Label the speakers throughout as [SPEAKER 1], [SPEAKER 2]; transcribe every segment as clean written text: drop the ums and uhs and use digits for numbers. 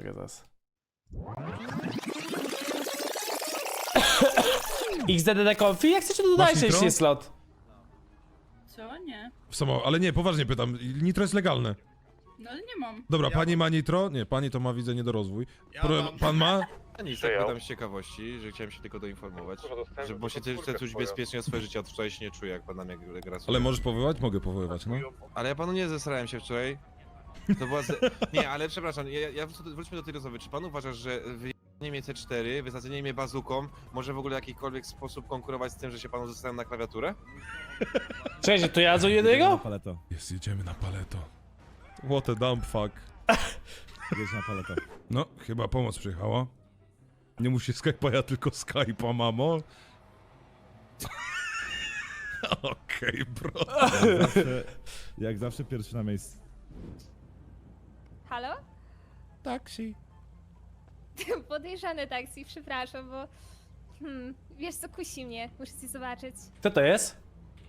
[SPEAKER 1] czekaj zaraz. XDDD Confi? Jak chcecie, to dodajcie, jeśli jest slot.
[SPEAKER 2] Co? Nie.
[SPEAKER 3] Ale nie, poważnie pytam. Nitro jest legalne.
[SPEAKER 2] No ale nie mam.
[SPEAKER 3] Dobra, pani ma nitro? Nie, pani to ma, widzę, niedorozwój. Pan ma?
[SPEAKER 4] Nic, tak pytam z ciekawości, że chciałem się tylko doinformować, że bo się chcę czuć bezpiecznie o swoje życie, od wczoraj się nie czuję, jak pan nam jak gra sobie.
[SPEAKER 3] Ale możesz powoływać? Mogę powoływać, no.
[SPEAKER 4] Ale ja panu nie zesrałem się wczoraj. To była Nie, ale przepraszam, wróćmy do tej rozmowy. Czy pan uważasz, że wyjęcie mnie C4, wysadzenie mnie bazuką może w ogóle w jakikolwiek sposób konkurować z tym, że się panu zesrałem na klawiaturę?
[SPEAKER 1] Cześć, to ja do jednego?
[SPEAKER 5] Paleto.
[SPEAKER 3] Jest, jedziemy na paleto. What a dumb fuck.
[SPEAKER 5] Jedź na paleto.
[SPEAKER 3] No, chyba pomoc przyjechała. Nie musi Skype'a, ja tylko Skype'a, mamo. Okej, bro.
[SPEAKER 5] Jak zawsze pierwszy na miejscu.
[SPEAKER 6] Halo?
[SPEAKER 3] Taksi.
[SPEAKER 6] Podejrzane taksi, przepraszam, bo... wiesz co, kusi mnie, muszę ci zobaczyć.
[SPEAKER 1] Kto to jest?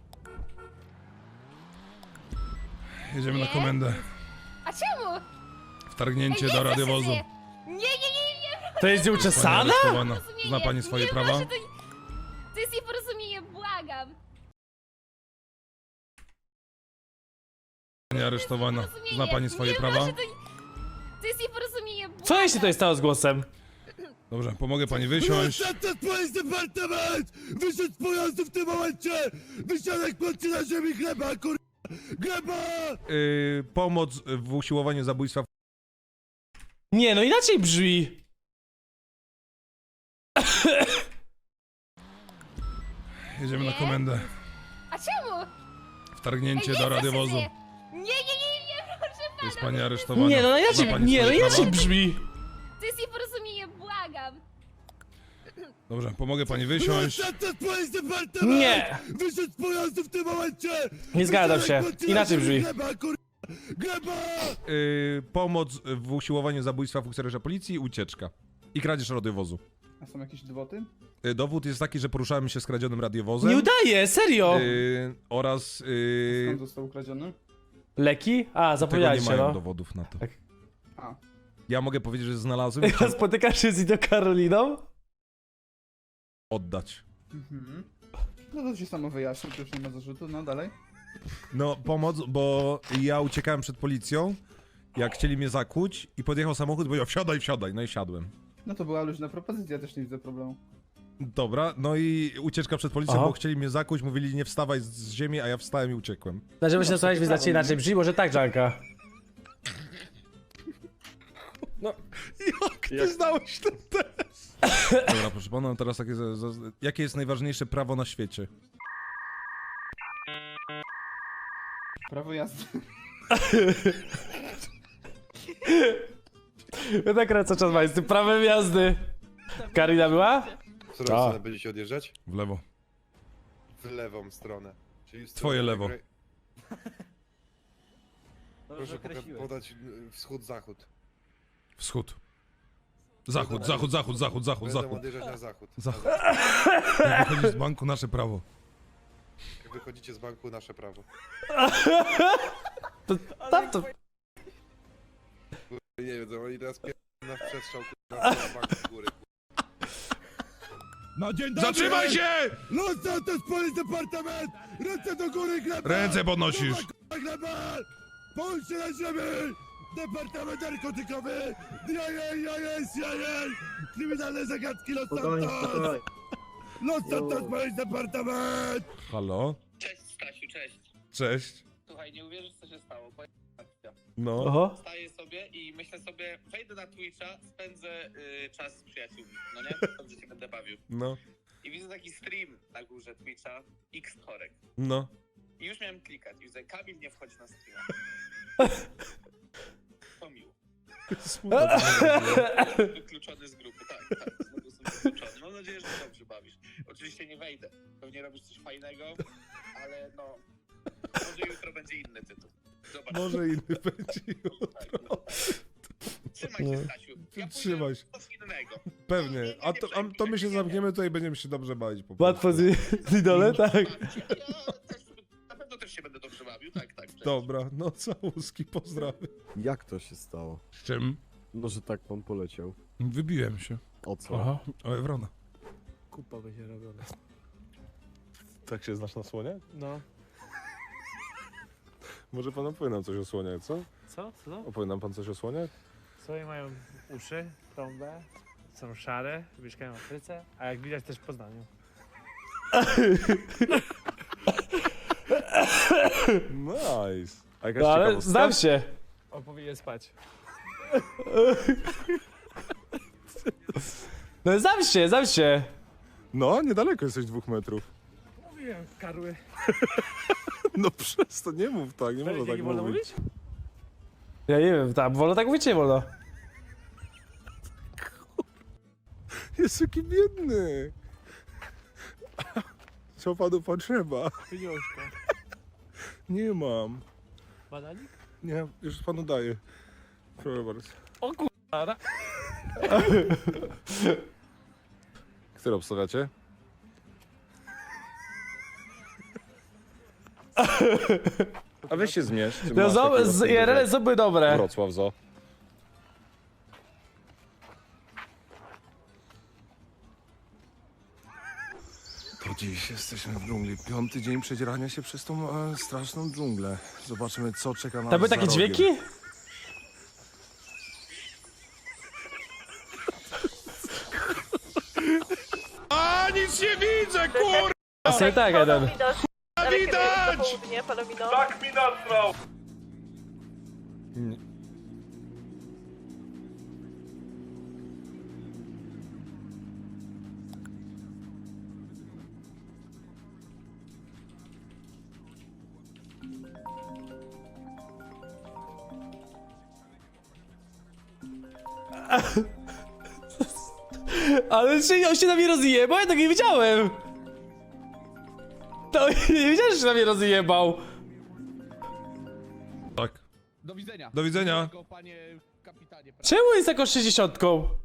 [SPEAKER 3] Jedziemy na
[SPEAKER 6] Nie?
[SPEAKER 3] komendę.
[SPEAKER 6] A czemu?
[SPEAKER 3] Wtargnięcie
[SPEAKER 6] Ej,
[SPEAKER 3] do
[SPEAKER 6] nie,
[SPEAKER 3] radiowozu.
[SPEAKER 6] proszę cię. Nie,
[SPEAKER 1] To jest
[SPEAKER 3] Pani
[SPEAKER 1] nieuczesana?
[SPEAKER 3] aresztowana.
[SPEAKER 6] Porozumienie.
[SPEAKER 3] Zna pani swoje
[SPEAKER 6] Nie,
[SPEAKER 3] prawa?
[SPEAKER 6] proszę, to jest nieporozumienie, błagam.
[SPEAKER 3] Pani aresztowana.
[SPEAKER 6] Porozumienie.
[SPEAKER 3] Zna pani swoje
[SPEAKER 6] Nie,
[SPEAKER 3] prawa?
[SPEAKER 6] proszę, to jest nieporozumienie, błagam.
[SPEAKER 1] Co jeśli to jest stało z głosem?
[SPEAKER 3] Dobrze, pomogę pani wysiąść.
[SPEAKER 5] Police departament! Wyszedł z pojazdu w tym momencie! Wysiadek patrzy na ziemi gleba, kur... Gleba!
[SPEAKER 3] Pomoc w usiłowaniu zabójstwa.
[SPEAKER 1] Nie, no inaczej brzmi.
[SPEAKER 3] Jedziemy na
[SPEAKER 6] Nie?
[SPEAKER 3] komendę.
[SPEAKER 6] A czemu?
[SPEAKER 3] Wtargnięcie
[SPEAKER 6] Ej,
[SPEAKER 3] do
[SPEAKER 6] proszę
[SPEAKER 3] radiowozu.
[SPEAKER 6] cię. Nie, proszę pana.
[SPEAKER 3] Jest pani aresztowana.
[SPEAKER 1] Nie, no
[SPEAKER 3] Zna
[SPEAKER 1] inaczej,
[SPEAKER 3] pani
[SPEAKER 1] nie, no
[SPEAKER 3] swoje
[SPEAKER 1] inaczej
[SPEAKER 3] prawa?
[SPEAKER 1] brzmi.
[SPEAKER 6] To jest nieporozumienie, błagam.
[SPEAKER 3] Dobrze, pomogę pani wysiąść.
[SPEAKER 5] Police departament!
[SPEAKER 1] Nie.
[SPEAKER 5] Wyszedł z pojazdu w tym momencie!
[SPEAKER 1] Nie zgadzam się. Inaczej brzmi.
[SPEAKER 5] Gleba, kur... Gleba!
[SPEAKER 3] Pomoc w usiłowaniu zabójstwa funkcjonariusza policji i ucieczka. I kradzież radiowozu.
[SPEAKER 7] A są jakieś dowody?
[SPEAKER 3] Dowód jest taki, że poruszałem się z kradzionym radiowozem.
[SPEAKER 1] Nie udaje, serio.
[SPEAKER 3] Oraz...
[SPEAKER 7] Skąd został ukradziony?
[SPEAKER 1] Leki? A,
[SPEAKER 3] tego nie
[SPEAKER 1] zapomniałeś
[SPEAKER 3] mają
[SPEAKER 1] no.
[SPEAKER 3] dowodów na to.
[SPEAKER 1] Tak.
[SPEAKER 7] A.
[SPEAKER 3] Ja mogę powiedzieć, że znalazłem i
[SPEAKER 1] A spotykasz się z Ido Karoliną?
[SPEAKER 3] oddać.
[SPEAKER 7] Mhm. No to się samo wyjaśni, to już nie ma zarzutu, no dalej.
[SPEAKER 3] No, pomoc, bo ja uciekałem przed policją, jak chcieli mnie zakłuć i podjechał samochód, powiedział wsiadaj, wsiadaj, no i siadłem.
[SPEAKER 7] No to była luźna propozycja, też nie widzę problemu.
[SPEAKER 3] Dobra, no i ucieczka przed policją,
[SPEAKER 1] Aha.
[SPEAKER 3] bo chcieli mnie zakłuć, mówili nie wstawaj z ziemi, a ja wstałem i uciekłem.
[SPEAKER 1] Znaczy, się słuchać, wyznacznie inaczej brzmi, może tak, Janka.
[SPEAKER 3] Jak ty znałeś ten test? Dobra, proszę pana, teraz takie... Jakie jest najważniejsze prawo na świecie?
[SPEAKER 7] Prawo jazdy.
[SPEAKER 1] Ja tak cały czas ma z tym prawem jazdy. Karina była?
[SPEAKER 4] W którą
[SPEAKER 1] A.
[SPEAKER 4] stronę będziecie odjeżdżać?
[SPEAKER 3] W lewo.
[SPEAKER 4] W lewą stronę. Czyli w
[SPEAKER 3] Twoje
[SPEAKER 4] stronę
[SPEAKER 3] lewo.
[SPEAKER 4] Proszę podać wschód-zachód.
[SPEAKER 3] Wschód. Zachód, zachód, zachód, zachód, zachód,
[SPEAKER 4] Będę
[SPEAKER 3] zachód.
[SPEAKER 4] odjeżdżać na zachód.
[SPEAKER 3] Zachód. Jak wychodzisz z banku, nasze prawo.
[SPEAKER 4] Jak wychodzicie z banku, nasze prawo.
[SPEAKER 1] Tam to...
[SPEAKER 4] Nie wiem, oni teraz na przestrzał na banku z góry.
[SPEAKER 5] No dzień dobry!
[SPEAKER 3] Zatrzymaj się!
[SPEAKER 5] Los Santos Police departament! Ręce do góry, gleba!
[SPEAKER 3] Ręce podnosisz.
[SPEAKER 5] Gleba! Połóż się na ziemi! Departament narkotykowy! Jajej! Kryminalne zagadki Los Santos! Los Santos Police departament!
[SPEAKER 3] Halo?
[SPEAKER 8] Cześć Stasiu, cześć.
[SPEAKER 3] Cześć.
[SPEAKER 8] Słuchaj, nie uwierzysz co się stało. Akcja.
[SPEAKER 3] No.
[SPEAKER 1] Oho.
[SPEAKER 8] Staję sobie i myślę sobie, wejdę na Twitcha, spędzę czas z przyjaciółmi, no nie? Dobrze się będę bawił.
[SPEAKER 3] No.
[SPEAKER 8] I widzę taki stream na górze Twitcha, X Korek.
[SPEAKER 3] No.
[SPEAKER 8] I już miałem klikać. I widzę, Kamil nie wchodzi na streama. To miło. Wykluczony z grupy, tak. Znowu jestem wykluczony. Mam nadzieję, że się dobrze bawisz. Oczywiście nie wejdę. Pewnie robisz coś fajnego, ale no... Może jutro będzie inny tytuł. Zobacz.
[SPEAKER 3] Może inny będzie jutro.
[SPEAKER 8] Tak, no. Trzymaj się, Stasiu. Ja
[SPEAKER 3] Trzymaj się.
[SPEAKER 8] coś innego.
[SPEAKER 3] Pewnie. A to my się zamkniemy tutaj i będziemy się dobrze bawić po prostu.
[SPEAKER 1] Łatwo z idole, tak.
[SPEAKER 8] Ja też, na pewno też się będę dobrze bawił, tak. Cześć.
[SPEAKER 3] Dobra, no całuski, pozdrawiam.
[SPEAKER 9] Jak to się stało?
[SPEAKER 3] Z czym?
[SPEAKER 1] No, że tak pan poleciał.
[SPEAKER 3] Wybiłem się.
[SPEAKER 1] O co?
[SPEAKER 3] Aha. O Ewrona.
[SPEAKER 1] Kupa będzie robiona.
[SPEAKER 9] Tak się znasz na słonie?
[SPEAKER 1] No.
[SPEAKER 9] Może pan opowie nam coś o słoniach, co?
[SPEAKER 10] Co? Co?
[SPEAKER 9] Opowie nam pan coś o słoniach?
[SPEAKER 10] Słonie mają uszy, trąbę, są szare, mieszkają w Afryce, a jak widać też w Poznaniu.
[SPEAKER 9] Nice. A jakaś
[SPEAKER 1] No ale
[SPEAKER 9] ciekawostka?
[SPEAKER 1] znam się.
[SPEAKER 10] On powinien spać.
[SPEAKER 1] No znam się.
[SPEAKER 9] No, niedaleko jesteś 2 metrów.
[SPEAKER 10] Mówiłem, karły.
[SPEAKER 9] No przez to nie mów tak, nie można tak
[SPEAKER 10] nie wolno
[SPEAKER 9] mówić.
[SPEAKER 10] mówić?
[SPEAKER 1] Ja nie wiem, tak, wolno tak mówić, czy nie wolno?
[SPEAKER 9] Jest jaki biedny. Co panu potrzeba?
[SPEAKER 10] Pieniążka.
[SPEAKER 9] Nie mam.
[SPEAKER 10] Bananik?
[SPEAKER 9] Nie, już panu daję. Proszę bardzo.
[SPEAKER 10] O kurwa.
[SPEAKER 9] Które obstawiacie? A weź się zmierz. czy
[SPEAKER 1] No
[SPEAKER 9] masz takiego
[SPEAKER 1] z
[SPEAKER 9] sobie
[SPEAKER 1] IRL są były dobre.
[SPEAKER 9] Wrocław, zo. To dziś jesteśmy w dżungli. 5. dzień przedzierania się przez tą straszną dżunglę. Zobaczymy, co czeka nas
[SPEAKER 1] Tam były
[SPEAKER 9] za
[SPEAKER 1] takie
[SPEAKER 9] rogiem.
[SPEAKER 1] dźwięki?
[SPEAKER 3] A nic nie widzę, kur...
[SPEAKER 1] Jasne, tak, jeden.
[SPEAKER 3] Widać!
[SPEAKER 9] Tak mi nasrał!
[SPEAKER 1] Ale on się na mnie rozjebał, ja tak nie wiedziałem. To nie wiedziałem, że się na mnie rozjebał.
[SPEAKER 3] Tak.
[SPEAKER 7] Do widzenia.
[SPEAKER 3] Do widzenia.
[SPEAKER 7] Miłego, panie kapitanie.
[SPEAKER 1] Czemu jest taką 60?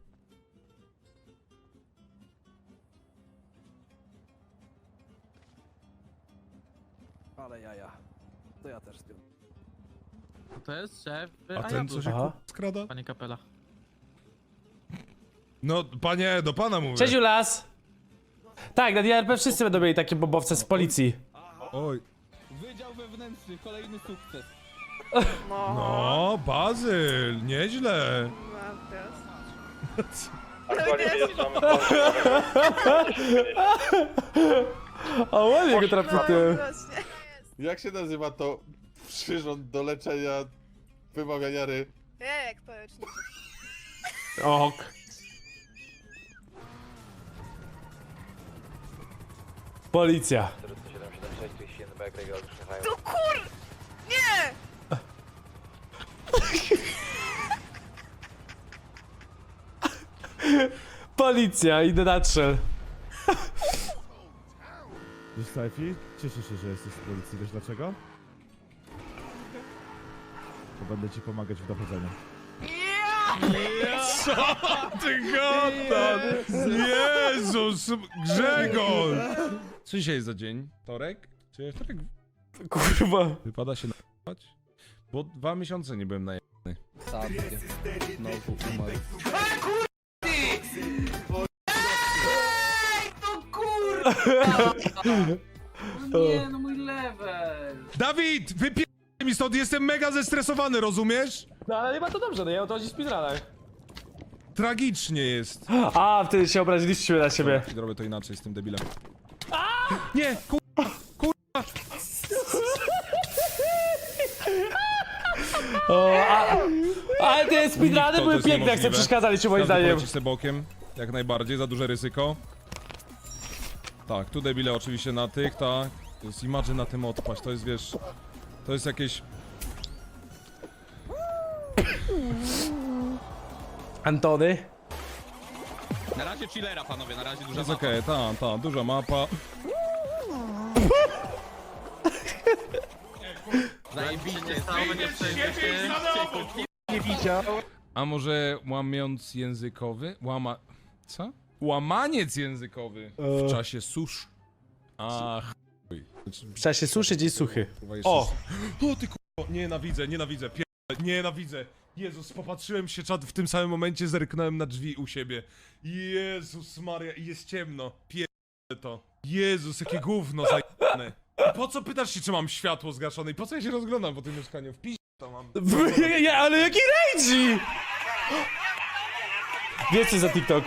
[SPEAKER 10] Ale jaja. To ja też wiem.
[SPEAKER 11] To jest szef
[SPEAKER 3] A ten co się
[SPEAKER 1] Aha.
[SPEAKER 3] skrada?
[SPEAKER 11] Panie Kapela.
[SPEAKER 3] No, panie, do pana mówię.
[SPEAKER 1] Cześć Julas. Tak, na DRP wszyscy będą mieli takie bombowce z policji.
[SPEAKER 3] Oj.
[SPEAKER 7] Wydział wewnętrzny, kolejny sukces.
[SPEAKER 3] No, Bazyl, nieźle.
[SPEAKER 1] O, ładnie go trafił ty.
[SPEAKER 9] Jak się nazywa to przyrząd do leczenia wymawiania ry?
[SPEAKER 6] Jak społecznik.
[SPEAKER 1] Ok. Policja.
[SPEAKER 6] To kur... Nie!
[SPEAKER 1] Policja, idę na trzel.
[SPEAKER 5] Wiesz, Saifi? Cieszę się, że jesteś z policji. Wiesz dlaczego? Bo będę ci pomagać w dochodzeniu.
[SPEAKER 3] Ty gadasz! Jezus, Grzegorz! Co dzisiaj jest za dzień? Wtorek? Czy wtorek
[SPEAKER 1] Kurwa.
[SPEAKER 3] wypada się na***ać? Bo 2 miesiące nie byłem na
[SPEAKER 7] Sadnie. Znowu umarł.
[SPEAKER 2] Nie, no mój level.
[SPEAKER 3] Dawid, wypie... mi stąd, jestem mega zestresowany, rozumiesz?
[SPEAKER 1] No ale chyba to dobrze, no ja o to chodzi w speedrunach.
[SPEAKER 3] Tragicznie jest.
[SPEAKER 1] A, wtedy się obraziliście na siebie.
[SPEAKER 3] Zrobię to inaczej z tym debilem. Nie,
[SPEAKER 1] O, ale te speedruny
[SPEAKER 3] to
[SPEAKER 1] były
[SPEAKER 3] jest
[SPEAKER 1] piękne, jak sobie
[SPEAKER 3] niemożliwe.
[SPEAKER 1] przeszkadzaliście moim
[SPEAKER 3] Każdy
[SPEAKER 1] zdaniem.
[SPEAKER 3] poleci sobie bokiem, jak najbardziej, za duże ryzyko. Tak, tu debile oczywiście na tych, tak. To jest imagine na tym odpaść, to jest, wiesz... To jest jakieś...
[SPEAKER 1] Antony?
[SPEAKER 11] Na razie chillera, panowie, na razie
[SPEAKER 3] To
[SPEAKER 11] duża
[SPEAKER 3] jest
[SPEAKER 11] mapa.
[SPEAKER 3] okej, duża mapa.
[SPEAKER 11] Zajebiście, będzie
[SPEAKER 3] A może łamiąc językowy? Co? Łamaniec językowy w czasie susz. Ach, chuj.
[SPEAKER 1] W czasie suszy, dzień suchy.
[SPEAKER 3] Kurwa, jeszcze
[SPEAKER 1] O!
[SPEAKER 3] O ty kurwa, nienawidzę, nienawidzę, nienawidzę. Jezus, popatrzyłem się, czat, w tym samym momencie zerknąłem na drzwi u siebie. Jezus Maria, i jest ciemno. Pierdolę to. Jezus, jakie gówno zajebane. I po co pytasz się, czy mam światło zgaszone? I po co ja się rozglądam po tym mieszkaniu? W piździe to mam.
[SPEAKER 1] Ale jaki rage! Wiesz co za TikTok?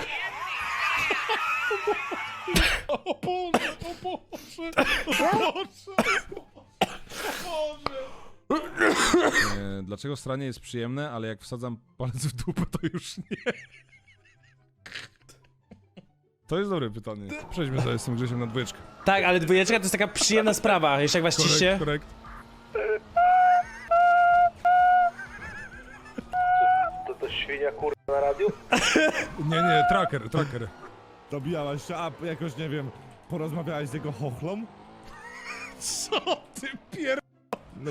[SPEAKER 3] O Boże, o Boże, o Boże, o Boże. Dlaczego stranie jest przyjemne, ale jak wsadzam palec w dupę, to już nie? To jest dobre pytanie. Przejdźmy sobie z tym Grzesiem na dwójeczkę.
[SPEAKER 1] Tak, ale dwójeczka to jest taka przyjemna sprawa, jeszcze jak was ciście.
[SPEAKER 3] Korekt.
[SPEAKER 10] To świnia kurwa na radiu?
[SPEAKER 3] Nie, tracker.
[SPEAKER 5] Dobijałaś się, a jakoś, nie wiem, porozmawiałeś z jego chochlą?
[SPEAKER 3] Co ty pier...
[SPEAKER 5] No,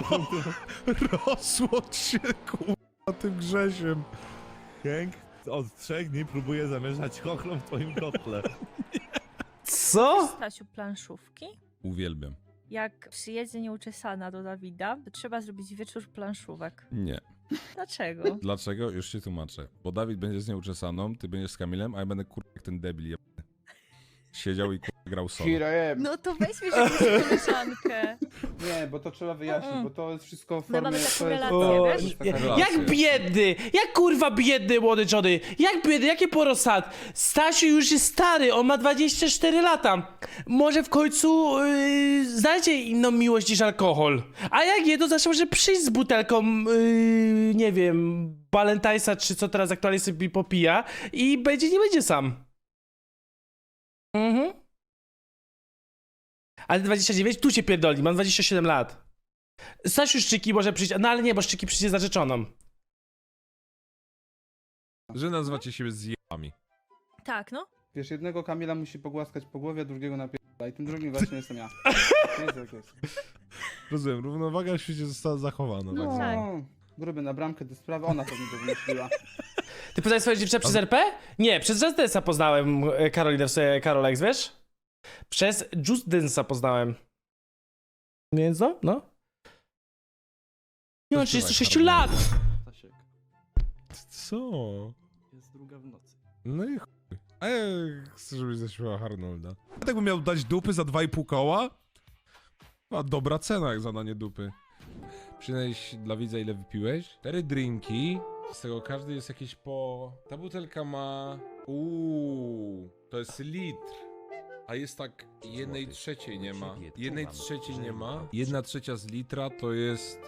[SPEAKER 3] Rozłącz się, kurwa, tym Grzesiem.
[SPEAKER 5] Hank od 3 dni próbuje zamieszać chochlą w twoim kotle.
[SPEAKER 1] Co?
[SPEAKER 12] Stasiu, planszówki?
[SPEAKER 3] Uwielbiam.
[SPEAKER 12] Jak przyjedzie nieuczesana do Dawida, to trzeba zrobić wieczór planszówek.
[SPEAKER 3] Nie.
[SPEAKER 12] Dlaczego?
[SPEAKER 3] Dlaczego? Już ci tłumaczę. Bo Dawid będzie z nieuczesaną, ty będziesz z Kamilem, a ja będę kurwa jak ten debil jebany. Siedział i kurwa grał solo.
[SPEAKER 12] No to weźmy się jakąś koleżankę.
[SPEAKER 7] Nie, bo to trzeba wyjaśnić, bo to jest wszystko w
[SPEAKER 12] My mamy
[SPEAKER 7] formie...
[SPEAKER 12] taką
[SPEAKER 7] to jest-
[SPEAKER 12] relację,
[SPEAKER 1] O,
[SPEAKER 12] wiesz?
[SPEAKER 7] to jest taka
[SPEAKER 3] Relacje.
[SPEAKER 1] Jak biedny! Jak kurwa biedny młody Johnny! Jak biedny, jakie porosad! Stasiu już jest stary, on ma 24 lata. Może w końcu znajdzie inną miłość niż alkohol. A jak nie, to zawsze może przyjść z butelką, nie wiem, Balentajsa, czy co teraz aktualnie sobie popija i nie będzie sam. Mhm. Ale 29? Tu się pierdoli, mam 27 lat. Stasiu Szczyki może przyjść, no ale nie, bo Szczyki przyjdzie z narzeczoną.
[SPEAKER 3] Że nazywacie siebie zjebami.
[SPEAKER 12] Tak, no.
[SPEAKER 7] Wiesz, jednego Kamila musi pogłaskać po głowie, drugiego na i tym drugim właśnie jestem ja. Jest jak jest.
[SPEAKER 3] Rozumiem, równowaga w świecie została zachowana.
[SPEAKER 7] No,
[SPEAKER 3] Tak.
[SPEAKER 12] tak.
[SPEAKER 7] gruby na bramkę do sprawy, ona pewnie to wymyśliła.
[SPEAKER 1] Ty poznałeś swoją dziewczynę przez RP? Nie, przez Just Dance'a poznałem Karolinę, w sobie Karolex, wiesz? Przez Just Dance'a poznałem. Więc no. Nie mam 36 lat!
[SPEAKER 3] Co?
[SPEAKER 2] Jest druga w nocy.
[SPEAKER 3] No i chuj. A ja chcę, żebyś zaśpiewała Arnolda. Ja tak bym miał dać dupy za 2,5 koła? A dobra cena jak za danie dupy. Przynieś dla widza ile wypiłeś? 4 drinki. Z tego każdy jest jakieś po... Ta butelka ma... to jest litr. A jest tak 1/3 nie ma. 1/3 nie ma. 1/3 z litra to jest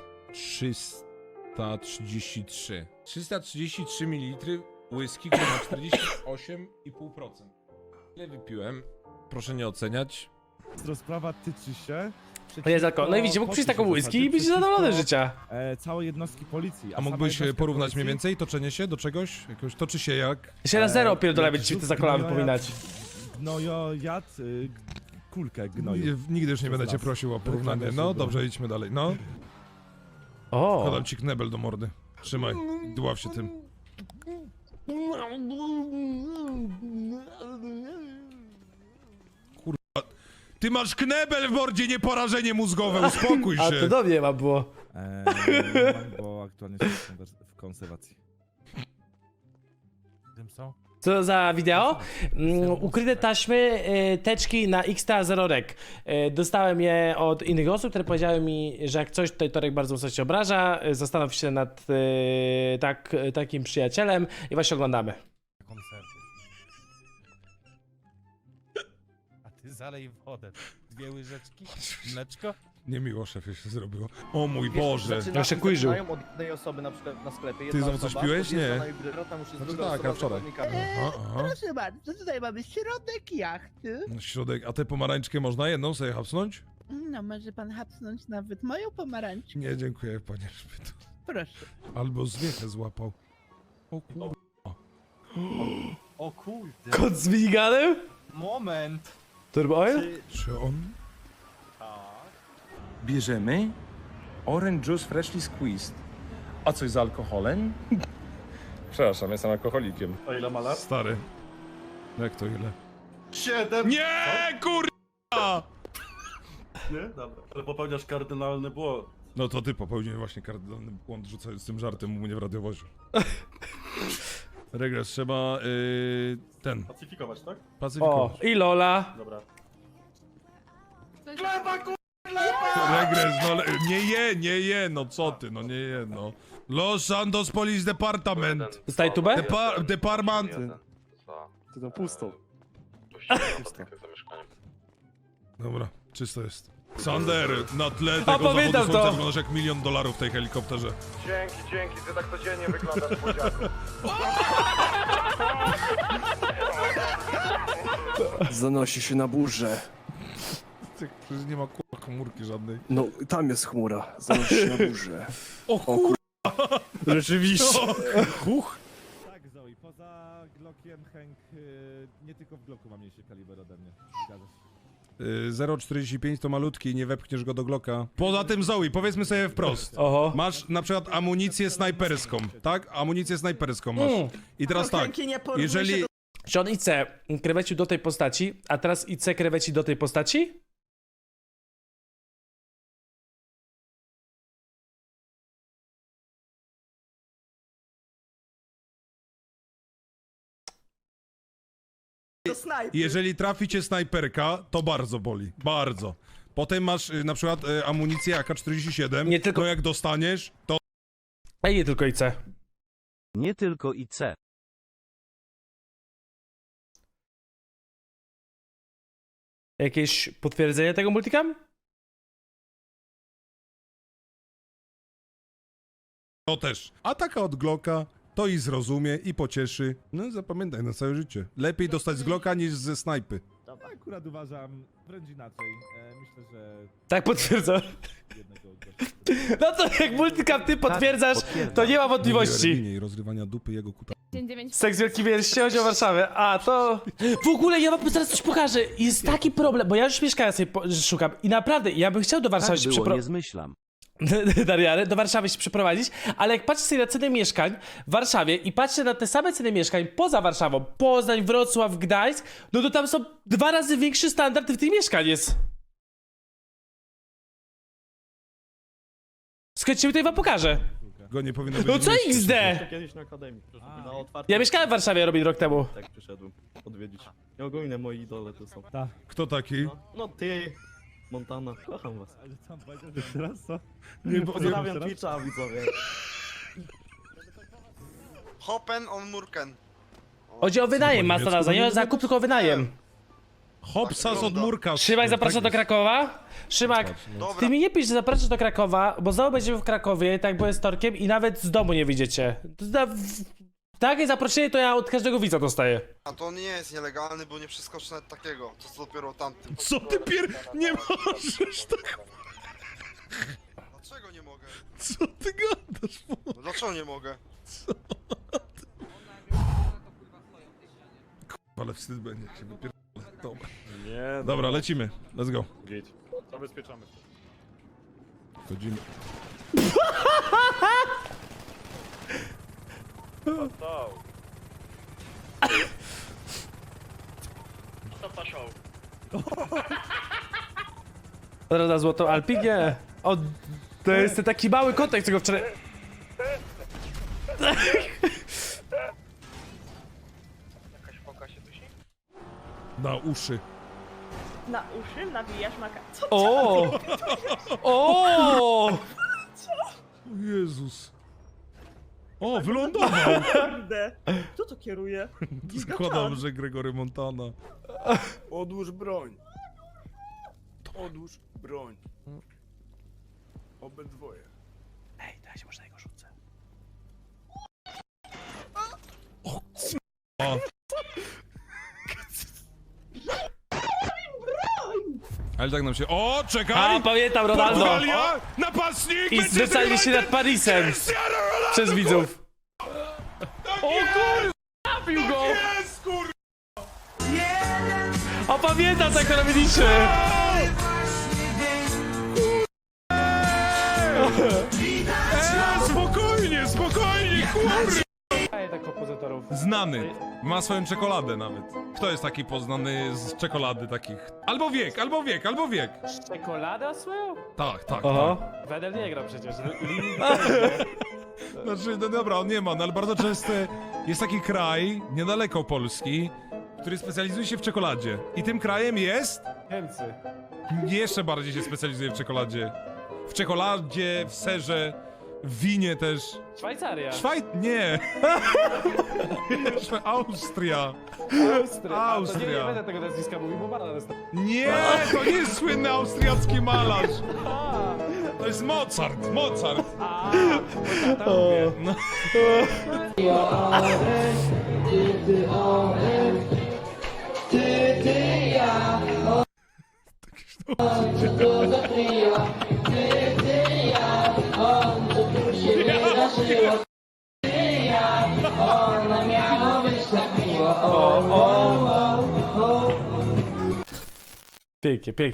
[SPEAKER 3] 333. 333 ml whisky, który ma 48,5%. Ile wypiłem? Proszę nie oceniać.
[SPEAKER 5] Rozprawa tyczy się...
[SPEAKER 1] To jest alkohol. No i widzicie, mógł przyjść taką whisky i być zadowolony z życia.
[SPEAKER 5] Całej jednostki policji.
[SPEAKER 3] A mógłbyś porównać mniej więcej toczenie się do czegoś? Jakoś toczy się jak?
[SPEAKER 1] Jeszcze raz zero opierdolę, będzie ci to za kolana wypominać.
[SPEAKER 5] Gnojojad, kulkę gnoju.
[SPEAKER 3] Nigdy już nie będę cię prosił o porównanie. No dobrze, idźmy dalej. No,
[SPEAKER 1] O!
[SPEAKER 3] podam ci knebel do mordy. Trzymaj, dław się tym. Kurwa, ty masz knebel w mordzie, nie porażenie mózgowe, uspokój
[SPEAKER 1] A to
[SPEAKER 3] się.
[SPEAKER 1] do mnie ma było.
[SPEAKER 5] Bo aktualnie jestem w konserwacji. Tym są?
[SPEAKER 1] Co za wideo? Ukryte taśmy, teczki na XTA0REC. Dostałem je od innych osób, które powiedziały mi, że jak coś, to Torek bardzo mocno się obraża. Zastanów się nad takim przyjacielem i właśnie oglądamy.
[SPEAKER 5] Konserwy. A ty zalej wodę. 2 łyżeczki, mleczko.
[SPEAKER 3] Niemiło szefie się zrobiło. O mój Boże.
[SPEAKER 1] Ja się kujrzył.
[SPEAKER 10] od jednej osoby na przykład na sklepie.
[SPEAKER 3] Ty znowu coś piłeś? Nie.
[SPEAKER 10] Tam już jest
[SPEAKER 3] Znaczy
[SPEAKER 10] druga
[SPEAKER 3] tak,
[SPEAKER 10] osoba
[SPEAKER 3] a wczoraj.
[SPEAKER 10] z zawodnikami.
[SPEAKER 3] Aha.
[SPEAKER 11] Proszę bardzo, tutaj mamy środek jachty.
[SPEAKER 3] Na środek, a tę pomarańczkę można jedną sobie hapsnąć?
[SPEAKER 11] No, może pan hapsnąć nawet moją pomarańczkę.
[SPEAKER 3] Nie, dziękuję panie Szpytu.
[SPEAKER 11] Proszę.
[SPEAKER 3] Albo zwiechę złapał. O kurwa.
[SPEAKER 10] O kurde.
[SPEAKER 1] Kot z miniganem?
[SPEAKER 10] Moment.
[SPEAKER 1] Turbo Oil?
[SPEAKER 3] Czy on?
[SPEAKER 9] Bierzemy orange juice freshly squeezed. A coś z alkoholem? Przepraszam, jestem alkoholikiem.
[SPEAKER 10] O ile ma lat?
[SPEAKER 3] Stary. Jak to ile?
[SPEAKER 10] 7.
[SPEAKER 3] Nie, kurwa!
[SPEAKER 10] Nie? Dobra. Ale popełniasz kardynalny błąd.
[SPEAKER 3] No to ty popełniłeś właśnie kardynalny błąd rzucając tym żartem u mnie w radiowozie. Regres, trzeba ten...
[SPEAKER 9] Pacyfikować, tak?
[SPEAKER 1] O,
[SPEAKER 3] Pacyfikować.
[SPEAKER 1] i Lola.
[SPEAKER 9] Dobra.
[SPEAKER 3] Regres, no nie je, no co ty, no nie je, no. Los Santos Police Department.
[SPEAKER 1] Zostaje tubę?
[SPEAKER 3] Department.
[SPEAKER 2] Ty to pusto.
[SPEAKER 3] Dobra, czysto jest. Sander, na tle tego
[SPEAKER 1] pamiętam
[SPEAKER 3] zawodu
[SPEAKER 1] to.
[SPEAKER 3] słońca wyglądasz jak $1 000 000 w tej helikopterze.
[SPEAKER 9] Dzięki, ty tak codziennie wyglądasz, młodziaku.
[SPEAKER 2] Zanosi się na burzę.
[SPEAKER 3] Przecież nie ma kurwa komórki żadnej.
[SPEAKER 2] No, tam jest chmura. Zanosi się na burzę.
[SPEAKER 3] O kur...
[SPEAKER 2] Rzeczywiście.
[SPEAKER 3] Huch.
[SPEAKER 5] Tak, Zoe, poza Glockiem Hank nie tylko w Glocku ma mniejszy kaliber ode mnie. Zgadza się.
[SPEAKER 3] 0,45 to malutki, nie wepchniesz go do Glocka. Poza tym Zoe, powiedzmy sobie wprost.
[SPEAKER 1] Oho.
[SPEAKER 3] Masz na przykład amunicję snajperską, tak? Amunicję snajperską masz. I teraz tak, jeżeli...
[SPEAKER 1] Czy on IC krewecił do tej postaci, a teraz IC kreweci do tej postaci?
[SPEAKER 3] Jeżeli trafi cię snajperka, to bardzo boli. Bardzo. Potem masz na przykład amunicję AK-47.
[SPEAKER 1] Nie tylko-
[SPEAKER 3] No jak dostaniesz, to...
[SPEAKER 1] Ej, nie tylko IC.
[SPEAKER 13] Nie tylko IC.
[SPEAKER 1] Jakieś potwierdzenie tego multicam?
[SPEAKER 3] To też. A taka od Glocka to i zrozumie, i pocieszy. No zapamiętaj na całe życie. Lepiej dostać z Glocka niż ze snajpy.
[SPEAKER 5] Akurat uważam wręcz inaczej. Myślę, że
[SPEAKER 1] Tak potwierdzam.
[SPEAKER 5] jednego
[SPEAKER 1] No to jak multicam ty potwierdzasz, to nie ma wątpliwości.
[SPEAKER 3] I rozrywania dupy jego kuta.
[SPEAKER 6] Dzień 9.
[SPEAKER 1] Seks Wielki Wiersz, chodzi o Warszawę. A to... W ogóle ja wam zaraz coś pokażę. Jest taki problem, bo ja już mieszkania sobie szukam i naprawdę, ja bym chciał do Warszawy
[SPEAKER 13] Tak
[SPEAKER 1] się
[SPEAKER 13] było, nie
[SPEAKER 1] przeprowadzić.
[SPEAKER 13] zmyślam.
[SPEAKER 1] Dariany, do Warszawy się przeprowadzić, ale jak patrzę sobie na ceny mieszkań w Warszawie i patrzę na te same ceny mieszkań poza Warszawą, Poznań, Wrocław, Gdańsk, no to tam są 2 razy większy standard w tych mieszkań jest. Słuchajcie, tutaj wam pokażę.
[SPEAKER 3] Go nie powinno być.
[SPEAKER 1] No co XD?
[SPEAKER 2] Kiedyś na akademii. Na
[SPEAKER 1] Ja mieszkałem w Warszawie robić rok temu.
[SPEAKER 2] Tak przyszedłem odwiedzić. I ogólnie moi idole to są.
[SPEAKER 3] Kto taki?
[SPEAKER 2] No ty, Montana, kocham was.
[SPEAKER 5] Ale tam powiedział jeszcze raz, co?
[SPEAKER 3] Nie,
[SPEAKER 2] Pozdrawiam Twitcha, widzowie.
[SPEAKER 8] Hoppen on Murken.
[SPEAKER 1] Chodzi o wynajem,
[SPEAKER 3] po
[SPEAKER 1] Mastanaza,
[SPEAKER 3] niemiecku
[SPEAKER 1] nie o zakup, tylko o wynajem.
[SPEAKER 3] Hopsas od Murka.
[SPEAKER 1] Szymak zaprasza do Krakowa. Szymak,
[SPEAKER 8] Dobra.
[SPEAKER 1] ty mi nie pisz, że zapraszasz do Krakowa, bo znowu będziemy w Krakowie, tak byłem z Torkiem i nawet z domu nie wyjdziecie. Takie zaproszenie to ja od każdego widza dostaję.
[SPEAKER 8] A to nie jest nielegalny, bo nie przeskoczy nawet takiego. To co dopiero tamtym.
[SPEAKER 3] Co ty Nie możesz tak...
[SPEAKER 8] Dlaczego nie mogę?
[SPEAKER 3] Co ty gadasz?
[SPEAKER 8] No dlaczego nie mogę?
[SPEAKER 3] Ale wstyd będzie, jak się wypierdolę. Dobra.
[SPEAKER 9] Nie,
[SPEAKER 3] Dobra, lecimy. Let's go.
[SPEAKER 9] Git. Zabezpieczamy.
[SPEAKER 3] Chodzimy.
[SPEAKER 1] Zaraz na złotą Alpi? Nie. O, to jest ten taki mały kotek, co go wczoraj...
[SPEAKER 3] Na uszy.
[SPEAKER 11] Na uszy nawijasz maka. Co?
[SPEAKER 1] O! O!
[SPEAKER 3] O Jezus. O, wylądował.
[SPEAKER 11] Kurde. Kto to kieruje?
[SPEAKER 3] Zakładam, że Gregory Montana.
[SPEAKER 2] Odłóż broń. Odłóż broń. Obydwoje.
[SPEAKER 1] Ej, dajcie, może na niego rzucę.
[SPEAKER 3] O. Ale tak nam się... O, czekaj!
[SPEAKER 1] A, pamiętam, Ronaldo!
[SPEAKER 3] Portugalia! Napastnik!
[SPEAKER 1] I zwyczajnie się nad Parisem przez widzów. O kur... Trafił go!
[SPEAKER 3] Jest, kur...
[SPEAKER 1] O, pamiętam, tak to robiliśmy!
[SPEAKER 3] Spokojnie, spokojnie, kur...
[SPEAKER 1] Daję tak kompozytorów.
[SPEAKER 3] Znany. Ma swoją czekoladę nawet. Kto jest taki poznany z czekolady takich? Albo wiek, albo wiek, albo wiek.
[SPEAKER 10] Czekoladę swoją?
[SPEAKER 3] Tak, tak,
[SPEAKER 1] Oho.
[SPEAKER 3] tak.
[SPEAKER 10] Wedel nie gra przecież.
[SPEAKER 3] Znaczy, no dobra, on nie ma, no ale bardzo często jest taki kraj, niedaleko Polski, który specjalizuje się w czekoladzie. I tym krajem jest...
[SPEAKER 10] Niemcy.
[SPEAKER 3] Jeszcze bardziej się specjalizuje w czekoladzie. W czekoladzie, w serze, w winie też.
[SPEAKER 10] Szwajcaria.
[SPEAKER 3] Nie! Austria.
[SPEAKER 10] Austria. Nie będę tego nazwiska mówił, bo banan jest...
[SPEAKER 3] Nie, to nie jest słynny austriacki malarz. To jest Mozart, Mozart. No.
[SPEAKER 1] Pięknie, pięknie.